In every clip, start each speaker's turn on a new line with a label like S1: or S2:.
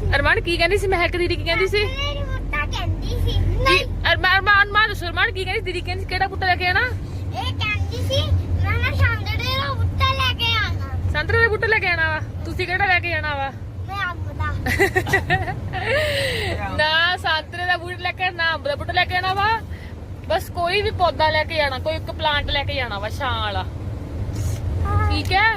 S1: अरमान की कहती सी महक दीदी की कहती सी अरमान मान अरमान की कहती दीदी कहती केड़ा बूटा लेके आना संतरे दे बूटे लेके आना वा तुसी केड़ा लेके आना वा ना संतरे दा बूटा लेके ना अंब दा बूटा लेके आना वा बस कोई भी पौधा लेके आना कोई एक प्लांट लेके आना वा छां वाला ठीक है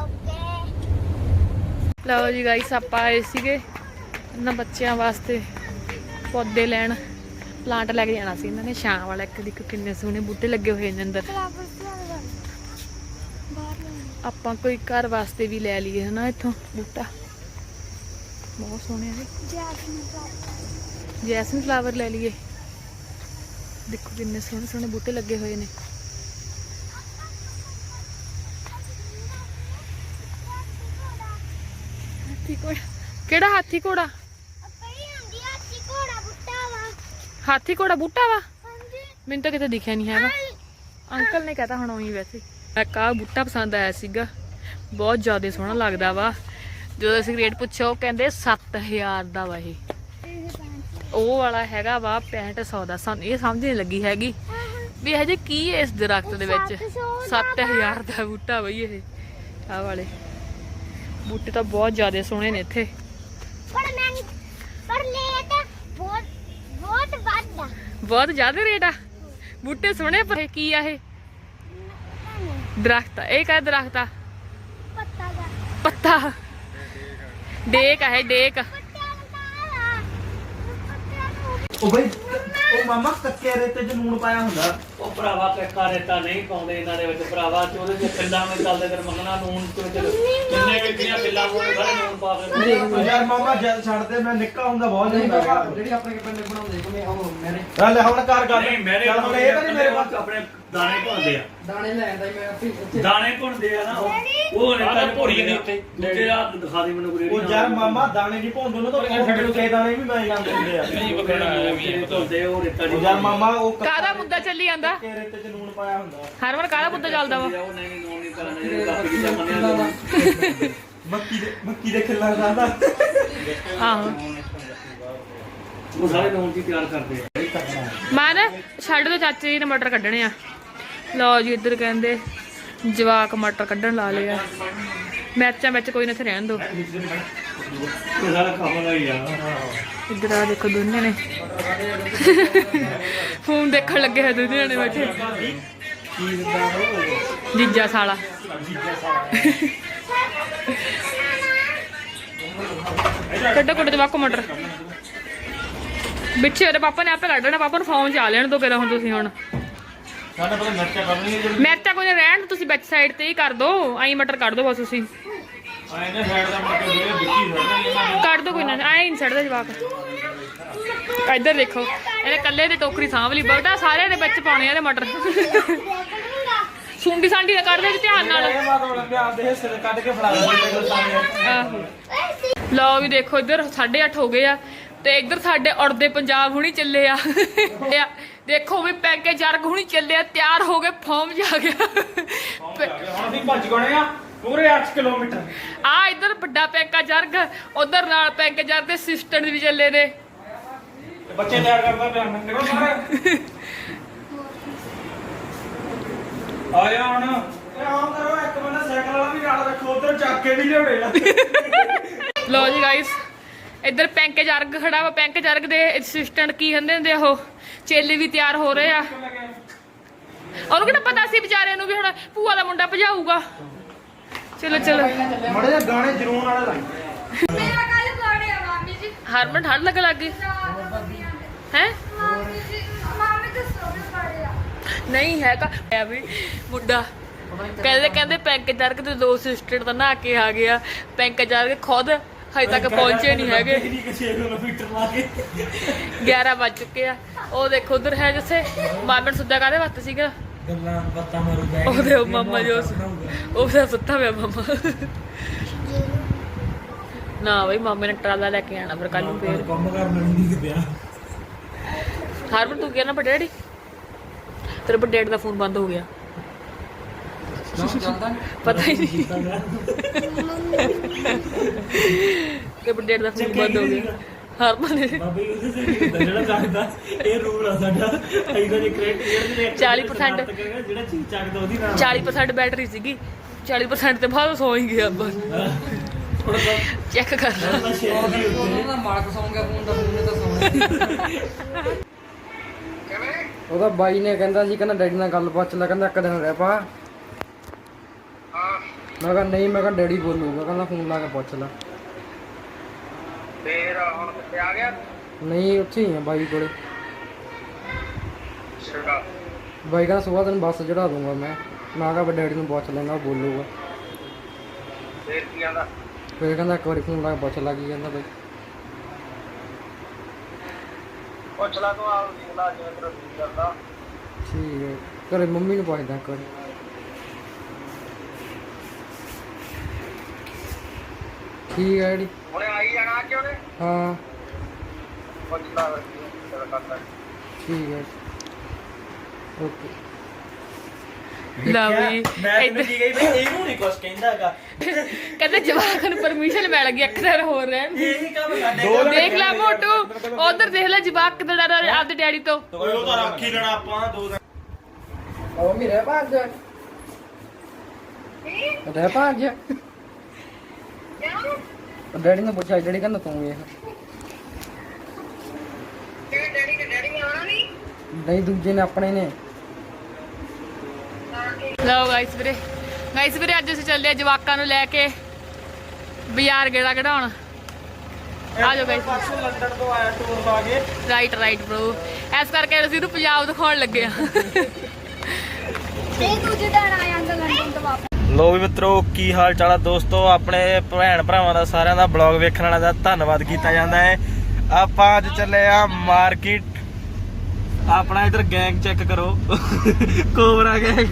S1: लो जी गाइस आप आए सीगे इन्हां बच्चों वास्ते पौधे लैन प्लांट लैके जाना सी इन्हां ने छां वाला एक देखो किन्ने सोहने बूटे लगे हुए ने अंदर आपां कोई घर वास्ते भी लै लीए है ना इत्थों बूटा बहुत सोहने है जैसमिन फ्लावर लै लीए देखो किन्ने सोहने सोहने बूटे लगे हुए ने केड़ा हाथी घोड़ा हाथी घोड़ा बूटा वा मैनू तो किते दिखा नहीं है अंकल ने कहता होना ही वैसे एक आ बूटा पसंद आया सीगा बहुत ज़्यादा सोहना लगता वा जो असीं रेट पुछो वो कहते 7000 का वा ये वो वाला हैगा वा 6500 का सानू ये समझ नहीं लगी हैगी भी हजे की है इस दरख्त दे विच 7000 का बूटा बई ये आ वाले बूटे तो बहुत ज्यादा सोहने ने इत्थे बहुत ज्यादा रेट आ बूटे सोहने पर की आ दरख्त ये क्या दरख्त आ पत्ता डेक है डेक
S2: मामा कच्चे रेते च लूण पाया हुंदा
S3: ਉਹ ਭਰਾਵਾ ਕੱਕਾ ਰੇਤਾ ਨਹੀਂ ਪਾਉਂਦੇ ਇਹਨਾਂ ਦੇ ਵਿੱਚ ਭਰਾਵਾ ਤੇ ਉਹਦੇ ਚ ਪਿੰਡਾਂ ਵਿੱਚ ਚੱਲਦੇ ਕਰ ਮੰਗਣਾ ਨੂਨ ਤੇ ਕਿੰਨੇ ਕਿੰਨੀਆਂ ਪਿੱਲਾਂ ਕੋਲ ਸਾਰੇ ਨੂਨ ਪਾ ਕੇ
S2: ਯਾਰ ਮਾਮਾ ਜਦ ਛੱਡਦੇ ਮੈਂ ਨਿੱਕਾ ਹੁੰਦਾ ਬਹੁਤ ਜਾਂਦਾ
S4: ਜਿਹੜੀ ਆਪਣੇ ਪਿੰਡ ਬਣਾਉਂਦੇ ਕੋਨੇ ਉਹ ਮੇਰੇ
S2: ਲੈ ਹੁਣ ਘਰ ਕਰ
S3: ਨਹੀਂ ਮੇਰੇ
S2: ਚੱਲ ਹੁਣ ਇਹ ਤਾਂ ਨਹੀਂ ਮੇਰੇ ਪਾਸ
S3: ਆਪਣੇ ਦਾਣੇ ਭੁੰਨਦੇ ਆ
S4: ਦਾਣੇ ਲੈ ਆਂਦਾ ਮੈਂ ਉੱਥੇ
S3: ਦਾਣੇ ਭੁੰਨਦੇ ਆ ਨਾ ਉਹ ਰੇਤਾ ਭੋਰੀ ਦੇ ਉੱਤੇ ਦੂਜੇ ਰਾਤ ਦਿਖਾ ਦੇ ਮੈਨੂੰ
S2: ਉਹ ਯਾਰ ਮਾਮਾ ਦਾਣੇ ਨਹੀਂ ਭੌਂਦੇ ਉਹਨਾਂ ਤੋਂ ਸਾਡੇ ਨੂੰ ਕਈ ਦਾਣੇ ਵੀ ਮੈਂ ਜਾਂਦੇ ਹੁੰਦੇ ਆ
S3: ਨਹੀਂ ਪਕੜਨਾ ਵੀ ਭੁੰਨਦੇ ਉਹ ਰੇਤਾ
S2: ਉਹ ਯਾਰ ਮਾਮਾ ਉਹ
S1: ਕਾਹਦਾ ਮੁੱਦਾ ਚੱਲੀ ਜਾਂਦਾ
S2: ਕੱਚੇ ਰੇਤੇ ਚ ਲੂਣ ਪਾਇਆ ਹੁੰਦਾ
S1: ਹਰਮਨ ਕਾਹਦਾ ਮੁੱਦਾ ਚੱਲਦਾ ਵਾ
S3: ਉਹ ਨਹੀਂ ਨੂਨ ਨਹੀਂ ਕਰਨਾ ਇਹ ਕਾਫੀ ਚੀਜ਼ਾਂ ਮੰਨਿਆ
S2: ਮੱਕੀ ਦੇ ਖਿੱਲਾ ਖਾਂਦਾ
S1: ਆਹੋ
S3: ਉਹ ਸਾਰੇ ਨੂਨ ਦੀ ਤਿਆਰ ਕਰਦੇ ਆ
S1: ਮੈਂ ਨਾ ਛੱਡ ਦੋ ਚਾਚੇ ਜੀ ਨੇ ਮਟਰ ਕੱਢਣੇ ਆ ਲਓ ਜੀ ਇੱਧਰ ਕਹਿੰਦੇ ਜਵਾਕ ਮਟਰ ਕੱਢਣ ਲਾ ਲਿਆ ਮੈਚਾਂ ਵਿੱਚ ਕੋਈ ਨਾ ਇੱਥੇ ਰਹਿਣ ਦੋ
S3: ਇਹ ਸਾਰਾ ਕੰਮ ਦਾ ਹੀ ਆ
S1: ਇੱਧਰ ਆ ਦੇਖੋ ਦੋਨੇ ਨੇ ਫੋਨ ਦੇਖਣ ਲੱਗੇ ਹੈ ਦੋਨੇ ਨੇ ਬੈਠੇ ਜੀਜਾ ਸਾਲਾ ਕੱਢੋ ਕੱਢੋ ਜਵਾਕੋ ਮਟਰ ਵਿੱਚੇ ਉਹਦੇ ਪਾਪਾ ਨੇ ਆਪੇ ਕੱਢ ਲੈਣਾ ਪਾਪਾ ਨੂੰ ਫੋਨ ਚ ਆ ਲੈਣ ਦੋ ਕਿਹੜਾ ਹੁਣ ਤੁਸੀਂ ਹੁਣ
S2: ਸਾਡੇ ਪਤਾ ਮਿਰਚਾਂ ਕਰਨੀ ਹੈ ਜਿਹੜੀ
S1: ਮਿਰਚਾਂ ਕੋਈ ਰਹਿਣ ਤੁਸੀਂ ਵਿੱਚ ਸਾਈਡ ਤੇ ਹੀ ਕਰ ਦੋ ਆਈ ਮਟਰ ਕੱਢ ਦੋ ਬਸ ਤੁਸੀਂ
S2: ਆਏ ਨੇ ਸਾਈਡ ਦਾ ਮਟਰ ਜਿਹੜੇ ਵਿੱਚੀ ਛੱਡਦੇ
S1: ਕੱਢ ਦੋ ਕੋਈ ਨਾ ਐ ਨਹੀਂ ਛੱਡਦਾ ਜਵਾਕ ਇੱਧਰ ਦੇਖੋ ਇਹਨੇ ਕੱਲੇ ਦੀ ਟੋਕਰੀ ਸਾਂਭ ਲਈ ਬਗਦਾ ਸਾਰਿਆਂ ਦੇ ਵਿੱਚ ਪਾਉਣੇ ਆ ਇਹਦੇ ਮਟਰ ਸੁੰਡੀ ਸਾਂਡੀ ਦਾ ਕੱਢ ਦੇ ਧਿਆਨ ਨਾਲ
S2: ਇਹ ਮਤਲਬ ਲੱਗੇ ਆਪਦੇ ਹਿੱਸੇ ਦੇ ਕੱਢ ਕੇ ਫੜਾ ਦਿੰਦੇ ਸਾਹਮਣੇ
S1: ਆਹੋ ਲਓ ਵੀ ਦੇਖੋ ਇੱਧਰ 8:30 ਹੋ ਗਏ ਆ ਤੇ ਇੱਧਰ ਸਾਡੇ ਉੜਦੇ ਪੰਜਾਬ ਹੁਣੀ ਚੱਲੇ ਆ ਦੇਖੋ ਵੀ ਪੈਂਕੇ ਜਰਗ ਹੁਣੀ ਚੱਲੇ ਆ ਤਿਆਰ ਹੋ ਗਏ ਫਾਰਮ ਜਾ ਗਿਆ
S2: ਹੁਣ ਅਸੀਂ ਭੱਜ ਗਏ ਆ ਪੂਰੇ 8 ਕਿਲੋਮੀਟਰ
S1: ਆ ਇੱਧਰ ਵੱਡਾ ਪੈਂਕਾ ਜਰਗ ਉਧਰ ਨਾਲ ਪੈਂਕੇ ਜਰਗ ਦੇ ਸਿਸਟਰ ਵੀ ਚੱਲੇ ਨੇ
S2: ਤੇ ਬੱਚੇ ਤਿਆਰ ਕਰਦਾ ਪਿਆ ਨਿਕਲੋ ਸਾਰੇ ਆਇਆ ਹੁਣ ਇਹ ਆਮ ਕਰੋ ਇੱਕ ਬੰਦਾ ਸਾਈਕਲ ਵਾਲਾ ਵੀ ਨਾਲ ਰੱਖੋ ਉਧਰ ਚੱਕ ਕੇ ਵੀ ਲਿਆਉਣੇ ਆ
S1: ਲਓ ਜੀ ਗਾਇਸ ਇੱਧਰ ਪੈਂਕੇ ਜਰਗ ਖੜਾ ਵਾ ਪੈਂਕੇ ਜਰਗ ਦੇ ਅਸਿਸਟੈਂਟ ਕੀ ਕਹਿੰਦੇ ਹੁੰਦੇ ਉਹ ਚੇਲੇ ਵੀ ਤਿਆਰ ਹੋ ਰਹੇ ਆ ਉਹਨੂੰ ਕਿਹੜਾ ਪਤਾ ਸੀ ਵਿਚਾਰੇ ਨੂੰ ਵੀ ਹੁਣ ਭੂਆ ਦਾ ਮੁੰਡਾ ਭਜਾਊਗਾ ਚਲੋ ਚਲੋ
S2: ਮੜੇ ਜਿਹਾ ਗਾਣੇ ਜਰੂਰ ਵਾਲੇ ਲਾਈ
S5: ਮੇਰਾ ਕੱਲ ਬਰਥਡੇ ਆ ਮਾਮੀ ਜੀ
S1: ਹਰਮਨ ਠੰਡ ਲੱਗ ਲੱਗੀ ਹੈ
S5: ਮਾਮੀ ਜੀ ਮਾਮੀ ਦਾ ਸੋਹਣਾ ਬਰਥਡੇ ਆ
S1: ਨਹੀਂ ਹੈਗਾ ਐ ਵੀ ਮੁੰਡਾ ਕਹਿੰਦੇ ਪੈਂਕੇ ਜਰਗ ਦੇ ਦੋ ਸਿਸਟਰ ਤਾਂ ਨਹਾ ਕੇ ਆ ਗਿਆ ਪੈਂਕੇ ਜਰਗ ਖੁਦ ਹਜੇ ਤੱਕ ਪਹੁੰਚੇ ਨਹੀਂ ਹੈਗੇ
S2: 6 ਕਿਲੋਮੀਟਰ ਲਾ ਕੇ
S1: 11 ਵੱਜ ਚੁੱਕੇ ਆ ਉਹ ਦੇਖੋ ਉਧਰ ਹੈ ਜਿੱਥੇ ਮਾਮਨ ਸੁੱਧਾ ਕਾਹਦੇ ਵੱਤ ਸੀਗਾ
S4: ਗੱਲਾਂ ਬਾਤਾਂ ਮਾਰੂਗਾ
S1: ਉਹਦੇ ਮਾਮਾ ਜੋ ਉਹਦਾ ਸੁੱਤਾ ਪਿਆ ਮਾਮਾ ਨਾ ਬਈ ਮਾਮੇ ਨੇ ਟਰਾਲਾ ਲੈ ਕੇ ਆਣਾ ਫਿਰ ਕੱਲ ਨੂੰ ਫੇਰ
S4: ਕੰਮ ਕਰਨ ਨਹੀਂ ਪਿਆ
S1: ਹਰਮਨ ਤੂੰ ਕਿਹਾ ਨਾ ਵੱਡੇ ਡੈਡੀ ਤੇਰੇ ਵੱਡੇ ਡੈਡੀ ਦਾ ਫੋਨ ਬੰਦ ਹੋ ਗਿਆ ਪਤਾ ਹੀ ਨਹੀਂ ਕਿ ਡੇਢ ਦਾ ਫੋਨ ਬੰਦ ਹੋ ਗਿਆ ਹਰਮਨ ਨੇ
S4: ਬਾਬਾ ਜੀ ਉਹਦੇ ਤੇ ਹੁੰਦਾ ਜਿਹੜਾ ਚੱਕਦਾ ਇਹ ਰੂਲ ਆ ਸਾਡਾ ਇਹਦਾ ਜੇ ਕ੍ਰੈਡਿਟ ਦੇ
S1: 40%
S4: ਜਿਹੜਾ ਚੀਜ਼ ਚੱਕਦਾ ਉਹਦੀ ਨਾਮ
S1: 40% ਬੈਟਰੀ ਸੀਗੀ 40% ਤੇ ਬਾਅਦ ਸੌ ਹੀ ਗਿਆ ਬਸ
S4: ਥੋੜਾ
S1: ਚੈੱਕ ਕਰ ਲਾ
S4: ਜਿਹਾ ਸ਼ੇਅਰ ਦੀ ਉੱਤੇ ਉਹਦਾ ਮਾਲਕ ਸੌਂ ਗਿਆ ਫੋਨ ਦਾ ਫੋਨ ਨੇ ਤਾਂ ਸੌਣਾ ਉਹਦਾ ਬਾਈ ਨੇ ਕਹਿੰਦਾ ਸੀ ਕਹਿੰਦਾ ਡੈਡੀ ਨਾਲ ਗੱਲ ਪੁੱਛ ਲੈ ਕਹਿੰਦਾ ਇੱਕ ਦਿਨ ਰਹਿ ਪਾ ਮੈਂ ਕਿਹਾ ਨਹੀਂ ਮੈਂ ਕਿਹਾ ਡੈਡੀ ਬੋਲੂਗਾ ਕਹਿੰਦਾ ਫੋਨ ਲਾ ਕੇ ਪੁੱਛ ਲੈ
S6: ਫੇਰ ਹੁਣ ਕਿੱਥੇ ਆ ਗਿਆ
S4: ਨਹੀਂ ਉੱਥੇ ਹੀ ਆ ਬਾਈ ਕੋਲੇ
S6: ਸ਼ਿਗਾ
S4: ਬਾਈ ਕਹਿੰਦਾ ਸੁਬਾਹ ਤੈਨੂੰ ਬੱਸ ਚੜਾ ਦੂੰਗਾ ਮੈਂ ਕਿਹਾ ਵੀ ਡੈਡੀ ਨੂੰ ਪੁੱਛ ਲੈਣਾ ਉਹ ਬੋਲੂਗਾ
S6: ਫੇਰ ਕੀ ਆਂਦਾ
S4: ਫਿਰ ਕਹਿੰਦਾ ਇੱਕ ਵਾਰੀ ਫੋਨ ਲਾ ਕੇ ਪੁੱਛ ਲਾ ਕੀ ਕਹਿੰਦਾ ਬਾਈ
S6: ਪੁੱਛ ਲਾ ਤੂੰ ਆਪ ਦੇਖ ਲਾ ਜਿਵੇਂ ਤੇਰਾ ਜੀ ਕਰਦਾ
S4: ਠੀਕ ਹੈ ਘਰੇ ਮੰਮੀ ਨੂੰ ਪੁੱਛਦਾ ਇੱਕ ਵਾਰੀ ਠੀਕ ਹੈ ਡੈਡੀ
S6: ਹੁਣੇ ਆਈ ਜਾਣਾ ਅੱਜ ਉਹਨੇ
S4: ਹਾਂ
S6: ਪੁੱਛ ਲਾ ਤੇਰਾ ਕਰਦਾ
S4: ਠੀਕ ਹੈ ਓਕੇ
S1: ਲਵੀ
S2: ਮੈਂ ਤੈਨੂੰ ਕੀ ਕਹੀ ਬਈ ਇਹਨੂੰ ਨਹੀਂ ਕੁਛ ਕਹਿੰਦਾਗਾ
S1: ਕਹਿੰਦੇ ਜਵਾਕ ਨੂੰ ਪਰਮਿਸ਼ਨ ਮਿਲ ਗਈ ਇੱਕ ਦਿਨ ਹੋਰ ਰਹਿਣ ਦੀ
S2: ਇਹੀ ਕੰਮ ਕਰਦੇ
S1: ਦੇਖ ਲੈ ਮੋਟੂ ਉਧਰ ਦੇਖ ਲੈ ਜਵਾਕ ਕਿਦਾਂ ਡਰਦਾ ਆਪਦੇ ਡੈਡੀ ਤੋਂ
S2: ਉਹ ਤਾਂ ਰੱਖ ਹੀ ਲੈਣਾ ਆਪਾਂ 2 ਦਿਨ
S4: ਉਹ ਮੇਰੇ ਭਾਗ ਰਹਿ ਭਾਗ ਡੈਡੀ ਨੇ ਪੁੱਛਿਆ ਡੈਡੀ ਕਹਿੰਦਾ ਤੂੰ ਇਹ
S6: ਤੇਰੇ ਡੈਡੀ ਆਉਣਾ ਨਹੀਂ
S4: ਨਹੀਂ ਦੂਜੇ ਨੇ ਆਪਣੇ ਨੇ
S1: ਲਓ ਗਾਇਸ ਵੀਰੇ ਅੱਜ ਅਸੀਂ ਚੱਲੇ ਆ ਜਵਾਕਾਂ ਨੂੰ ਲੈ ਕੇ ਬਾਜ਼ਾਰ ਗੇੜਾ ਕਢਾਉਣ ਆ ਜਾਓ ਗਾਇਸ
S2: ਪਰਸੋਂ ਲੰਡਨ ਤੋਂ ਆਇਆ ਟੂਰ ਲਾ ਕੇ
S1: ਰਾਈਟ ਬ్రో ਐਸ ਕਰਕੇ ਅਸੀਂ ਇਹਨੂੰ ਪੰਜਾਬ ਦਿਖਾਉਣ ਲੱਗੇ ਆ
S5: ਇਹ ਦੂਜੇ ਦਿਨ ਆ ਜਾਂਦਾ ਲੰਡਨ ਤੋਂ ਵਾਪਸ
S2: ਲੋ ਵੀ ਮਿੱਤਰੋ ਕੀ ਹਾਲ ਚਾਲ ਆ ਦੋਸਤੋ ਆਪਣੇ ਭੈਣ ਭਰਾਵਾਂ ਦਾ ਸਾਰਿਆਂ ਦਾ ਬਲੌਗ ਵੇਖਣ ਵਾਲਾ ਦਾ ਧੰਨਵਾਦ ਕੀਤਾ ਜਾਂਦਾ ਹੈ ਆਪਾਂ ਅੱਜ ਚੱਲੇ ਆ ਮਾਰਕੀਟ ਆਪਣਾ ਇਧਰ ਗੈਂਗ ਚੈੱਕ ਕਰੋ ਕੋਬਰਾ ਗੈਂਗ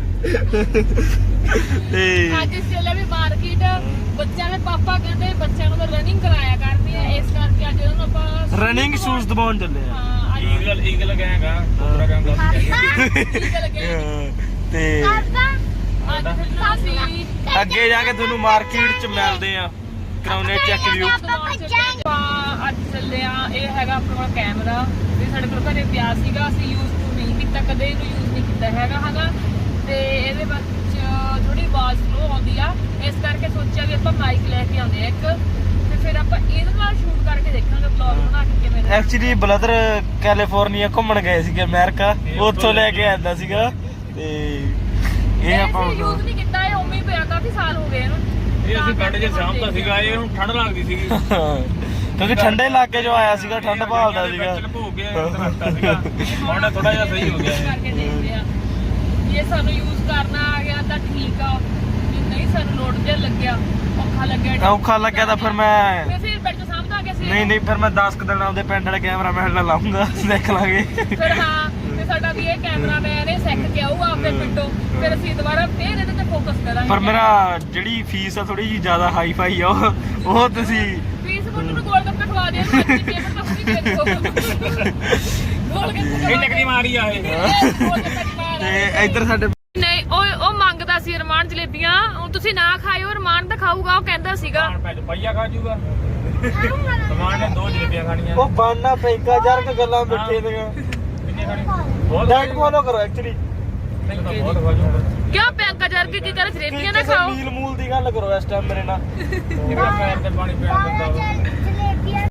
S2: ਤੇ
S1: ਅੱਜ ਅਸੀਂ ਚੱਲੇ ਵੀ ਮਾਰਕੀਟ ਬੱਚਿਆਂ ਦੇ ਪਾਪਾ ਕਹਿੰਦੇ ਬੱਚਿਆਂ ਨੂੰ ਤਾਂ ਰਨਿੰਗ ਕਰਾਇਆ ਕਰਨੀ ਹੈ ਇਸ ਕਰਕੇ ਅੱਜ ਉਹਨਾਂ ਨੂੰ ਆਪਾਂ
S2: ਰਨਿੰਗ ਸ਼ੂਜ਼ ਦਵਾਉਣ ਚੱਲੇ ਆ
S1: ਹਾਂ ਅੱਜ
S3: ਈਗਲ ਗੈਂਗ ਆ ਕੋਬਰਾ ਗੈਂਗ ਦਾ
S1: ਠੀਕ ਲੱਗਿਆ
S2: ਤੇ
S1: ਅੱਜ ਫਿਰ ਅਸੀਂ
S2: ਅੱਗੇ ਜਾ ਕੇ ਤੁਹਾਨੂੰ ਮਾਰਕੀਟ ਚ ਮਿਲਦੇ ਆ ਕਰਾਉਨੇ ਚੈੱਕ ਵੀਊ
S1: ਅੱਜ ਚੱਲੇ ਆ ਇਹ ਹੈਗਾ ਆਪਣੇ ਕੋਲ ਕੈਮਰਾ ਇਹ ਸਾਡੇ ਕੋਲ ਘਰੇ ਪਿਆ ਸੀਗਾ ਅਸੀਂ ਯੂਜ਼ ਨਹੀਂ ਕੀਤਾ ਕਦੇ ਇਹਨੂੰ ਯੂਜ਼ ਨਹੀਂ ਕੀਤਾ ਹੈਗਾ ਤੇ ਇਹਦੇ ਵਿੱਚ ਥੋੜੀ ਆਵਾਜ਼ ਸਲੋ ਆਉਂਦੀ ਆ ਇਸ ਕਰਕੇ ਸੋਚਿਆ ਵੀ ਆਪਾਂ ਮਾਈਕ ਲੈ ਕੇ ਆਉਂਦੇ ਆ ਇੱਕ ਤੇ ਫਿਰ ਆਪਾਂ ਇਹਦੇ ਨਾਲ ਸ਼ੂਟ ਕਰਕੇ ਦੇਖਾਂਗੇ ਵਲੌਗ ਬਣਾ ਕੇ ਕਿਵੇਂ ਦਾ
S2: ਐਕਚੁਅਲੀ ਬ੍ਰਦਰ ਕੈਲੀਫੋਰਨੀਆ ਘੁੰਮਣ ਗਏ ਸੀਗੇ ਅਮਰੀਕਾ ਉੱਥੋਂ ਲੈ ਕੇ ਆਂਦਾ ਸੀਗਾ ਤੇ ਇਹ ਆਪਾਂ
S1: ਯੂਜ਼ ਨਹੀਂ ਕੀਤਾ ਇਹ ਉਵੇਂ ਹੀ ਪਿਆ ਕਾਫੀ ਸਾਲ ਹੋ ਗਏ ਇਹਨੂੰ
S3: ਇਹ ਅਸੀਂ ਬੈਠ ਕੇ ਸਾਹਮਣਾ ਸੀਗਾ ਇਹ ਨੂੰ ਠੰਡ ਲੱਗਦੀ ਸੀਗੀ
S2: ਕਿਉਂਕਿ ਠੰਡੇ ਇਲਾਕੇ ਚੋਂ ਆਇਆ ਸੀਗਾ ਠੰਡ ਭਾਲਦਾ ਸੀਗਾ
S3: ਹੋ ਗਿਆ ਸੀਗਾ ਹੁਣ ਥੋੜਾ ਜਿਹਾ ਸਹੀ ਹੋ ਗਿਆ
S1: ਕਰਕੇ ਦੇਖਦੇ ਆ ਜੇ ਸਾਨੂੰ ਯੂਜ਼ ਕਰਨਾ ਆ ਗਿਆ ਤਾਂ ਠੀਕ ਆ ਜੇ ਨਹੀਂ ਸਾਨੂੰ ਲੋਡ ਜੇ ਲੱਗਿਆ
S2: ਔਖਾ ਲੱਗਿਆ ਤਾਂ ਫਿਰ ਮੈਂ
S1: ਫਿਰ ਬੈਠ ਕੇ ਸਾਹਮਣੇ ਆ ਗਿਆ ਸੀ
S2: ਨਹੀਂ ਫਿਰ ਮੈਂ 10 ਕੁ ਦਿਨ ਆਪਦੇ ਪਿੰਡ ਵਾਲੇ ਕੈਮਰਾਮੈਨ ਨਾਲ ਲਾਉਂਗਾ ਦੇਖ ਲਾਂਗੇ
S1: ਫਿਰ ਹਾਂ ਤੇ ਸਾਡਾ ਵੀ ਇਹ ਕੈਮਰਾਮੈਨ ਇਹ ਸਿੱਖ ਕੇ ਆਊਗਾ ਆਪਣੇ ਪਿੰਡੋਂ ਫਿਰ ਅਸੀਂ ਦੁਬਾਰਾ ਫੇਰ ਇਹਦੇ ਤੇ ਫੋਕਸ ਕਰਾਂਗੇ
S2: ਪਰ ਮੇਰਾ ਜਿਹੜੀ ਫੀਸ ਆ ਥੋੜੀ ਜੀ ਜ਼ਿਆਦਾ ਹਾਈ ਫਾਈ ਆ ਉਹ ਤੁਸੀਂ
S1: ਫੀਸ ਮੁੰਡੇ ਨੂੰ ਗੋਲ ਗੱਪੇ ਖਵਾ ਦਿਆ ਨੂੰ ਅੱਛੀ ਪੇਮੈਂਟ ਤਾਂ ਨਹੀਂ ਦੇ ਦੋ ਗੋਲ ਗੱਪੇ
S3: ਇਹ ਟਕਰੀ ਮਾਰੀ ਆ ਇਹ
S2: ਤੇ ਇੱਧਰ ਸਾਡੇ
S1: ਨਹੀਂ ਉਹ ਮੰਗਦਾ ਸੀ ਰਮਾਨ ਜਲੇਬੀਆਂ ਹੁਣ ਤੁਸੀਂ ਨਾ ਖਾਇਓ ਰਮਾਨ ਤਾਂ ਖਾਊਗਾ ਉਹ ਕਹਿੰਦਾ ਸੀਗਾ
S3: ਪਈਆ ਖਾ ਜੂਗਾ ਸਮਾਨ ਨੇ 2 ਜਲੇਬੀਆਂ ਖਾਣੀਆਂ
S2: ਉਹ ਬਾਨਾ ਪੈਂਕਾ ਯਾਰ ਕਿ ਗੱਲਾਂ ਬਿਠੇ ਨੇ
S3: ਕਿੰਨੇ ਖਾਣੀ ਬਹੁਤ
S2: ਡਾਈਟ ਫੋਲੋ ਕਰੋ ਐਕਚੁਅਲੀ
S3: ਬਹੁਤ ਖਾ ਜੂਗਾ
S1: ਕਿਉਂ ਪੈਂਕਾ ਜਰ ਕੇ ਕੀ ਕਰ ਜਲੇਬੀਆਂ ਨਾ ਖਾਓ
S2: ਮੀਲ ਮੂਲ ਦੀ ਗੱਲ ਕਰੋ ਇਸ ਟਾਈਮ ਮੇਰੇ ਨਾਲ
S3: ਜਿਹੜਾ ਪੈਰ ਤੇ ਪਾਣੀ ਪੈਣ ਦਿੰਦਾ ਵਾ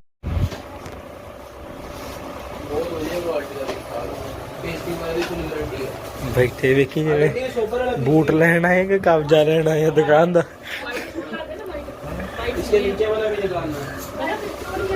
S2: ਬੈਠੇ ਵੇਖੀ ਜਿਹੜੇ ਬੂਟ ਲੈਣ ਆਏ ਕਿ ਕਬਜ਼ਾ ਲੈਣ ਆਏ ਦੁਕਾਨ ਦਾ
S4: इसके नीचे वाला भी निकालना है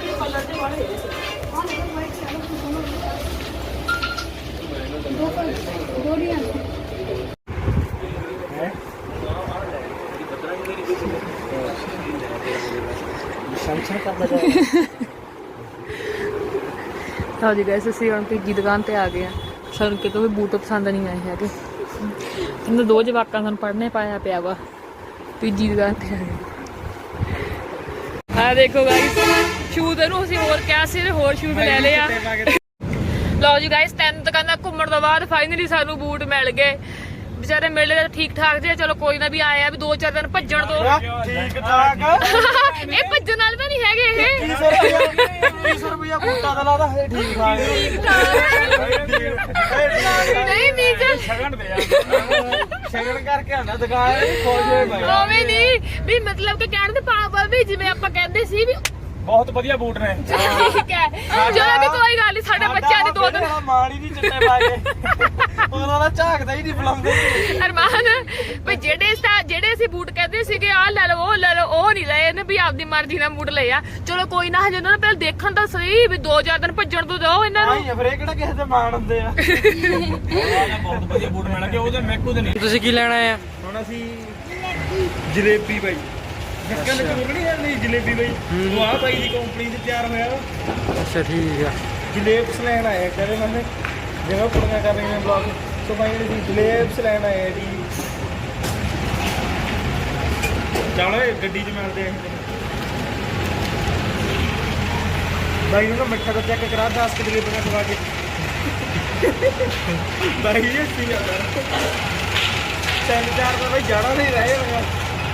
S1: ਲਓ ਜੀ ਗਾਇਸ ਅਸੀਂ ਹੁਣ ਤੀਜੀ ਦੁਕਾਨ ਤੇ ਆ ਗਏ ਆ ਸਾਨੂੰ ਕਿਤੋਂ ਵੀ ਬੂਟ ਪਸੰਦ ਨਹੀਂ ਆਏ ਹੈਗੇ ਇਹਨਾਂ 2 ਜਵਾਕਾਂ ਸਾਨੂੰ ਪੜ੍ਹਨੇ ਪਾਇਆ ਪਿਆ ਵਾ ਤੀਜੀ ਦੁਕਾਨ ਤੇ ਆ ਗਏ ਆ ਦੇਖੋ ਗਾਇਸ ਸ਼ੂਜ਼ ਇਹਨੂੰ ਅਸੀਂ ਹੋਰ ਕਿਹਾ ਸੀ ਹੋਰ ਸ਼ੂਜ਼ ਲੈ ਲਏ ਆ ਲਓ ਜੀ ਗਾਇਸ 3 ਦੁਕਾਨਾਂ ਘੁੰਮਣ ਤੋਂ ਬਾਅਦ ਫਾਈਨਲੀ ਸਾਨੂੰ ਬੂਟ ਮਿਲ ਗਏ ਵਿਚਾਰੇ ਮਿਲੇ ਤਾਂ ਠੀਕ ਠਾਕ ਜੇ ਚਲੋ ਕੋਈ ਨਾ ਵੀ ਆਇਆ ਵੀ 2-4 ਦਿਨ ਭੱਜਣ ਤੋਂ
S2: ਠੀਕ ਠਾਕ
S1: ਇਹ ਭੱਜਣ ਨਾਲ ਗਏ ਇਹ
S2: 2100 ਰੁਪਇਆ ਬੂਟਾ ਦਾ ਲਾਦਾ ਹੈ ਠੀਕ ਠਾਕ
S1: ਨਹੀਂ ਮੀਕ
S2: ਸ਼ਗਨ ਦੇ ਸ਼ਗਨ ਕਰਕੇ ਆਂਦਾ ਦੁਕਾਨ ਖੁਸ਼ ਹੋਏ ਭਾਈ
S1: ਉਵੇਂ ਨਹੀਂ ਵੀ ਮਤਲਬ ਕਿ ਕਹਿਣ ਦੇ ਭਾਵ ਵੀ ਜਿਵੇਂ ਆਪਾਂ ਕਹਿੰਦੇ ਸੀ ਵੀ
S2: ਬਹੁਤ ਵਧੀਆ ਬੂਟ ਨੇ
S1: ਠੀਕ ਹੈ ਚਲੋ ਵੀ ਕੋਈ ਗੱਲ ਨਹੀਂ ਸਾਡੇ ਬੱਚਿਆਂ ਦੇ ਦੋ ਦਿਨ
S2: ਮਾੜੀ ਨਹੀਂ ਚਿੱਟੇ ਪਾ ਕੇ ਉਹਨਾਂ ਦਾ ਝਾਕਦਾ ਹੀ ਨਹੀਂ ਬੁਲਾਉਂਦੇ
S1: ਅਰਮਾਨ ਵੀ ਜਿਹੜੇ ਅਸੀਂ ਬੂਟ ਕਹਿੰਦੇ ਸੀਗੇ ਆਹ ਲੈ ਲਓ ਉਹ ਲੈ ਲਓ ਉਹ ਨਹੀਂ ਲਏ ਇਹਨੇ ਵੀ ਆਪਦੀ ਮਰਜ਼ੀ ਨਾਲ ਬੂਟ ਲਏ ਆ ਚਲੋ ਕੋਈ ਨਾ ਹਜੇ ਉਹਨਾਂ ਨੂੰ ਪਹਿਲਾਂ ਦੇਖਣ ਤਾਂ ਸਹੀ ਵੀ 2-4 ਦਿਨ ਭੱਜਣ ਤੋਂ ਦਿਓ ਇਹਨਾਂ ਨੂੰ
S2: ਆਈ ਫਿਰ ਇਹ ਕਿਹੜਾ ਕਿਸੇ ਦੇ ਮਾਣ ਹੁੰਦੇ ਆ ਬਹੁਤ ਵਧੀਆ ਬੂਟ ਮਿਲਣਗੇ ਉਹਦੇ ਮੈਕੂ ਦੇ ਨਹੀਂ
S4: ਤੁਸੀਂ ਕੀ ਲੈਣਾ ਆ?
S2: ਹੁਣ ਅਸੀਂ ਜਲੇਬੀ ਬਾਈ ਨਿੱਕਾ ਨਿੱਕਾ ਨਹੀਂ ਜਾਂਦੀ ਜਲੇਬੀ ਬਾਈ ਉਹ ਆ ਬਾਈ ਦੀ ਕੰਪਨੀ ਚ ਤਿਆਰ ਹੋਇਆ ਵਾ
S4: ਅੱਛਾ ਠੀਕ ਆ।
S2: ਜਲੇਬਸ ਲੈਣ ਆਏ ਕਰੇ ਮੰਨੇ ਜਿਵੇਂ ਕੁੜੀਆਂ ਕਰ ਰਹੀਆਂ ਨੇ ਬਲੌਗ ਸੋ ਬਾਈ ਨੇ ਜਲੇਬਸ ਲੈਣ ਆਏ ਜੀ ਚਲੋ ਗੱਡੀ 'ਚ ਮਿਲਦੇ ਆਂ ਬਾਈ ਨੂੰ ਮਿੱਠਾ ਦਾ ਚੈੱਕ ਕਰਾ 10 ਕਿ ਜਲੇਬੀਆਂ ਖਵਾ ਕੇ ਬਾਈ ਇਹ ਸੀ ਯਾਰ 3-4 ਦਾ ਬਾਈ ਜਾਣਾ ਨਹੀਂ ਰਹੇ ਹੋਗਾ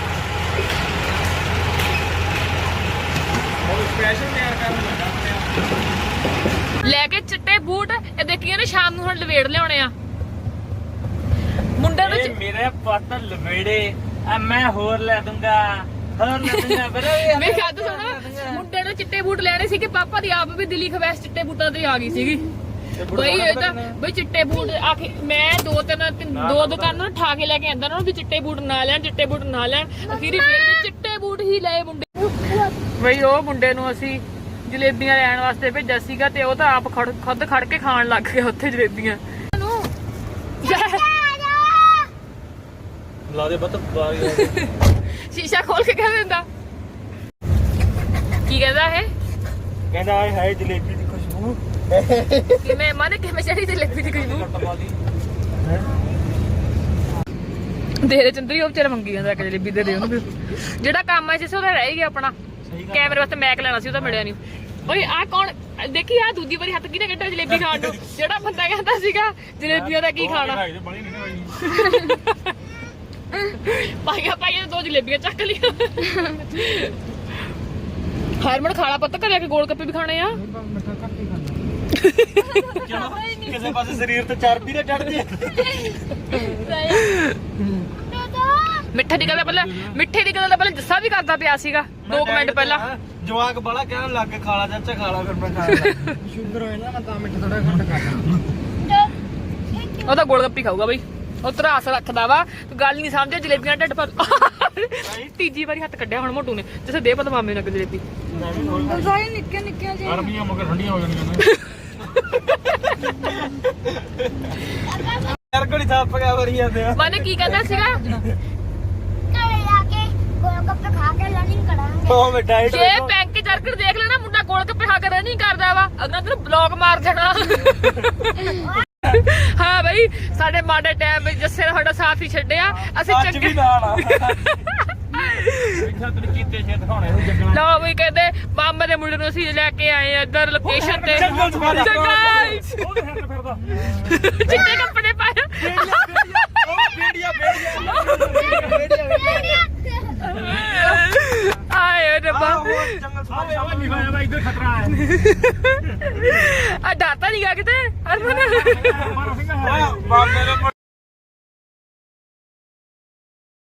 S2: ਉਹ ਸਪੈਸ਼ਲ ਤਿਆਰ ਕਰਨ ਲੱਗਾ
S1: ਲੈ ਕੇ ਚਿੱਟੇ ਬੂਟ ਇਹ ਦੇਖੀਏ ਨੇ ਸ਼ਾਮ ਨੂੰ ਹੁਣ ਲਵੇੜ ਲਿਆਉਣੇ ਆ ਮੁੰਡੇ ਨੂੰ
S2: ਮੇਰੇ ਪੱਟ ਲਵੇੜੇ ਆ ਮੈਂ ਹੋਰ ਲੈ ਦੂੰਗਾ
S1: ਮੈਂ ਖਾਦ ਸੁਣਾ ਮੁੰਡੇ ਨੂੰ ਚਿੱਟੇ ਬੂਟ ਲੈਣੇ ਸੀ ਕਿ ਪਾਪਾ ਦੀ ਆਪ ਵੀ ਦਿੱਲੀ ਖਵੈਸ ਚਿੱਟੇ ਬੂਟਾਂ ਤੇ ਆ ਗਈ ਸੀਗੀ ਬਈ ਇਹ ਤਾਂ ਬਈ ਚਿੱਟੇ ਬੂਟ ਆਖੇ ਮੈਂ ਦੋ ਦੁਕਾਨਾਂ ਠਾ ਕੇ ਲੈ ਕੇ ਆਂਦਾ ਨਾ ਵੀ ਚਿੱਟੇ ਬੂਟ ਨਾ ਲੈਣ ਅਖੀਰੀ ਫੇਰ ਵੀ ਚਿੱਟੇ ਬੂਟ ਹੀ ਲਏ ਮੁੰਡੇ ਬਈ ਉਹ ਮੁੰਡੇ ਨੂੰ ਅਸੀਂ ਜਲੇਬੀਆਂ ਲੈਣ ਵਾਸਤੇ ਭੇਜਿਆ ਸੀਗਾ ਤੇ ਉਹ ਤਾਂ ਆਪ ਖੁਦ ਖੜ ਕੇ ਖਾਣ ਲੱਗ ਗਿਆ ਉੱਥੇ ਜਲੇਬੀਆਂ
S2: ਲਾ ਦੇ ਬੱਤ ਬਾਹਰ
S1: ਸ਼ੀਸ਼ਾ ਖੋਲ ਕੇ ਕਹਿ ਦਿੰਦਾ ਕੀ ਕਹਿੰਦਾ ਇਹ
S2: ਕਹਿੰਦਾ ਆਏ ਹਾਏ ਜਲੇਬੀ ਦੀ ਖੁਸ਼ਬੂ
S1: ਕਿਵੇਂ ਮਨ ਕਿਵੇਂ ਚੜੀ ਜਲੇਬੀ ਦੀ ਖੁਸ਼ਬੂ ਦੇ ਚੰਦਰੀ ਉਹ ਵਿਚਾਰਾ ਮੰਗੀ ਜਾਂਦਾ ਇੱਕ ਜਲੇਬੀ ਦੇ ਉਹਨੂੰ ਵੀ ਜਿਹੜਾ ਕੰਮ ਆ ਜਿਸ ਉਹਦਾ ਰਹਿ ਗਿਆ ਆਪਣਾ ਕੈਮਰੇ ਵਾਸਤੇ ਮੈਕ ਲੈਣਾ ਸੀ ਉਹਦਾ ਮਿਲਿਆ ਨਹੀਂ ਓਏ ਆ ਕੌਣ ਦੇਖੀ ਆ ਦੂਜੀ ਵਾਰੀ ਹੱਥ ਕਿਹਨੇ ਕੱਢਿਆ ਜਲੇਬੀ ਖਾਣ ਨੂੰ ਜਿਹੜਾ ਬੰਦਾ ਕਹਿੰਦਾ ਸੀਗਾ ਜਲੇਬੀਆਂ ਦਾ ਕੀ ਖਾਣਾ ਪਾਈਆਂ ਦੋ ਜਲੇਬੀਆਂ ਚੱਕ ਲਿਆ ਹਰਮਨ ਖਾਣਾ ਪੱਤਾ ਘਰੇ ਆ ਕੇ ਗੋਲ ਗੱਪੇ ਵੀ ਖਾਣੇ ਆ
S2: ਕਿਸੇ ਪਾਸੇ ਸਰੀਰ ਤੇ ਚਰਬੀ ਨਾ ਚੜ ਜੇ
S1: ਮਿੱਠੇ ਦੀ ਗੱਲ ਪਹਿਲਾਂ ਜੱਸਾ ਵੀ ਕਰਦਾ ਪਿਆ ਸੀਗਾ 2 ਮਿੰਟ ਪਹਿਲਾਂ
S2: ਜਵਾਕ ਬੜਾ ਕਹਿਣ ਲੱਗ ਕੇ ਖਾਲਾ ਚਾਚਾ ਖਾਲਾ ਫਿਰ ਮੈਂ ਖਾਣਾ
S4: ਸ਼ੂਗਰ ਹੋਏ ਨਾ ਮੈਂ ਤਾਂ ਮਿੱਠਾ ਥੋੜਾ ਘੱਟ ਕਰਦਾ
S1: ਉਹ ਤਾਂ ਗੋਲ ਗੱਪੀ ਖਾਊਗਾ ਬਈ ਉਹ ਤਰਾਸ ਰੱਖਦਾ ਵਾ ਤੂੰ ਗੱਲ ਨਹੀਂ ਸਮਝਿਆ ਜਲੇਬੀਆਂ ਢਿੱਡ ਪਰ ਤੀਜੀ ਵਾਰੀ ਹੱਥ ਕੱਢਿਆ ਹੁਣ ਮੋਟੂ ਨੇ ਜਿਸੇ ਦੇ ਪਤਾ ਮਾਮੇ ਨਾਲ ਜਲੇਬੀ
S5: ਸਾਰੇ ਨਿੱਕੇ ਨਿੱਕੇ ਜਿਹੇ
S2: ਗਰਮੀਆਂ ਮਗਰ ਠੰਡੀਆਂ ਹੋ ਜਾਣੀਆਂ ਯਾਰ ਕੋਲੀ ਥੱਪ ਗਿਆ ਵਰੀ ਜਾਂਦੇ ਆ
S1: ਮਾਨੇ ਕੀ ਕਹਿੰਦਾ ਸੀਗਾ
S5: ਘਰੇ ਆ ਕੇ ਗੋਲ ਗੱਪੇ ਖਾ ਕੇ ਲਰਨਿੰਗ ਕਰਾਂਗੇ
S2: ਉਹ ਮੈਂ ਡਾਈਟ
S1: ਜੇ ਬੈਂਕ ਜਰਕੜ ਦੇਖ ਲੈਣਾ ਮੁੰਡਾ ਗੋਲ ਗੱਪੇ ਖਾ ਕੇ ਰਨਿੰਗ ਕਰਦਾ ਵਾ ਅਗਰ ਤੈਨੂੰ ਬਲੌਕ ਮਾਰ ਜਾਣਾ ਹਾਂ ਬਈ ਸਾਡੇ ਮਾੜੇ ਟਾਈਮ ਵਿੱਚ ਜੱਸੇ ਨੇ ਸਾਡਾ ਸਾਥ ਹੀ ਛੱਡਿਆ ਅਸੀਂ
S2: ਅੱਜ ਵੀ ਨਾਲ ਆ ਇੱਥਾ ਤੈਨੂੰ ਕੀਤੇ ਛੇ ਦਿਖਾਉਣੇ ਨੂੰ ਜੰਗਲਾਂ
S1: ਲਓ ਬਈ ਕਹਿੰਦੇ ਮਾਮੇ ਦੇ ਮੁੰਡੇ ਨੂੰ ਅਸੀਂ ਲੈ ਕੇ ਆਏ ਆ ਇੱਧਰ ਲੋਕੇਸ਼ਨ ਤੇ
S2: ਜੰਗਲ ਚ ਮਾਰਿਆ
S1: ਜੰਗਲ ਚ।
S2: ਉਹਦੇ ਹੱਥ ਫਿਰਦਾ
S1: ਚਿੱਟੇ ਕੱਪੜੇ ਪਾਏ
S2: ਬੇੜੀਆਂ
S1: ਆਏ ਰੱਬਾ
S2: ਜੰਗਲ ਸਾਰੇ ਆਵਾ ਨਹੀਂ ਹੋਇਆ ਵਾ ਇੱਧਰ ਖਤਰਾ ਹੈ
S1: ਆ ਡਾਟਾ ਨਹੀਂ ਗਾ ਕਿਤੇ ਹਰਮਨ
S2: ਬਾਬੇ ਦੇ